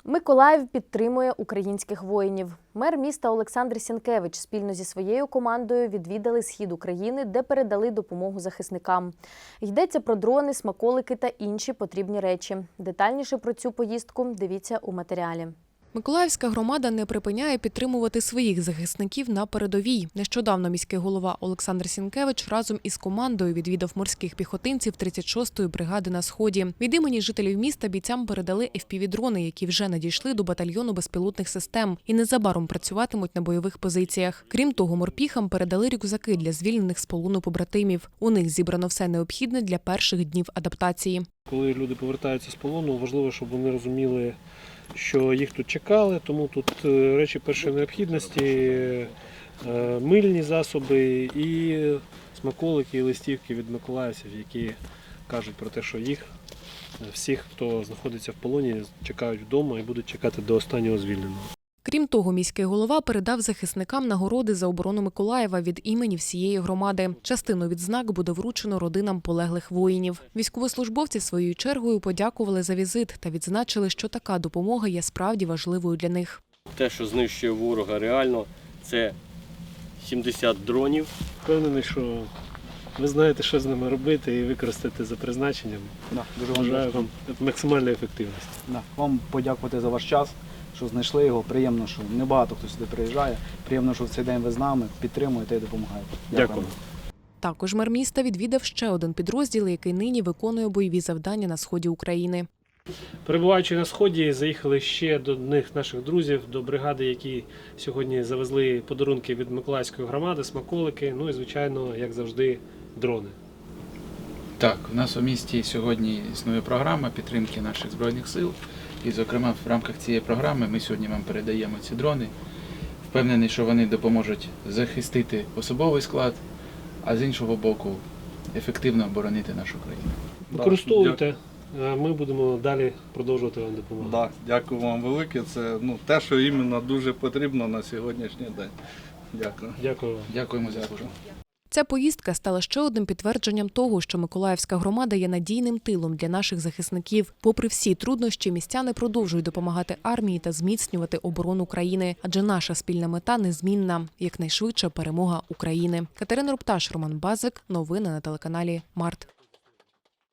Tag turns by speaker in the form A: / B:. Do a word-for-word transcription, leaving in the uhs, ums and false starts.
A: Миколаїв підтримує українських воїнів. Мер міста Олександр Сінкевич спільно зі своєю командою відвідали схід України, де передали допомогу захисникам. Йдеться про дрони, смаколики та інші потрібні речі. Детальніше про цю поїздку дивіться у матеріалі.
B: Миколаївська громада не припиняє підтримувати своїх захисників на передовій. Нещодавно міський голова Олександр Сінкевич разом із командою відвідав морських піхотинців тридцять шостої бригади на Сході. Від імені жителів міста бійцям передали еф пі ві-дрони, які вже надійшли до батальйону безпілотних систем і незабаром працюватимуть на бойових позиціях. Крім того, морпіхам передали рюкзаки для звільнених з полону побратимів. У них зібрано все необхідне для перших днів адаптації.
C: Коли люди повертаються з полону, важливо, щоб вони розуміли, що їх тут чекали, тому тут речі першої необхідності, мильні засоби і смаколики, і листівки від миколаївців, які кажуть про те, що їх, всіх, хто знаходиться в полоні, чекають вдома і будуть чекати до останнього звільненого.
B: Крім того, міський голова передав захисникам нагороди за оборону Миколаєва від імені всієї громади. Частину відзнак буде вручено родинам полеглих воїнів. Військовослужбовці своєю чергою подякували за візит та відзначили, що така допомога є справді важливою для них.
D: Те, що знищує ворога реально, це сімдесят дронів.
C: Впевнений, що ви знаєте, що з ними робити і використати за призначенням.
E: Да, дуже
C: Бажаю вам максимальної ефективності.
E: Да, вам подякувати за ваш час, що знайшли його. Приємно, що небагато хто сюди приїжджає. Приємно, що в цей день ви з нами підтримуєте і допомагаєте.
C: Дякую.
E: Дякую.
B: Також мер міста відвідав ще один підрозділ, який нині виконує бойові завдання на сході України.
C: Перебуваючи на Сході, заїхали ще до одних наших друзів, до бригади, які сьогодні завезли подарунки від Миколаївської громади, смаколики, ну і, звичайно, як завжди, дрони.
F: Так, у нас у місті сьогодні існує програма підтримки наших Збройних сил. І, зокрема, в рамках цієї програми ми сьогодні вам передаємо ці дрони. Впевнений, що вони допоможуть захистити особовий склад, а з іншого боку, ефективно оборонити нашу країну.
C: Використовуйте, а ми будемо далі продовжувати вам допомагати.
G: Да, дякую вам велике. Це ну, те, що іменно дуже потрібно на сьогоднішній день. Дякую.
C: Дякую вам.
F: Дякуємо за службу.
B: Ця поїздка стала ще одним підтвердженням того, що Миколаївська громада є надійним тилом для наших захисників. Попри всі труднощі, містяни продовжують допомагати армії та зміцнювати оборону країни. Адже наша спільна мета незмінна – якнайшвидша перемога України. Катерина Рупташ, Роман Базик. Новини на телеканалі Март.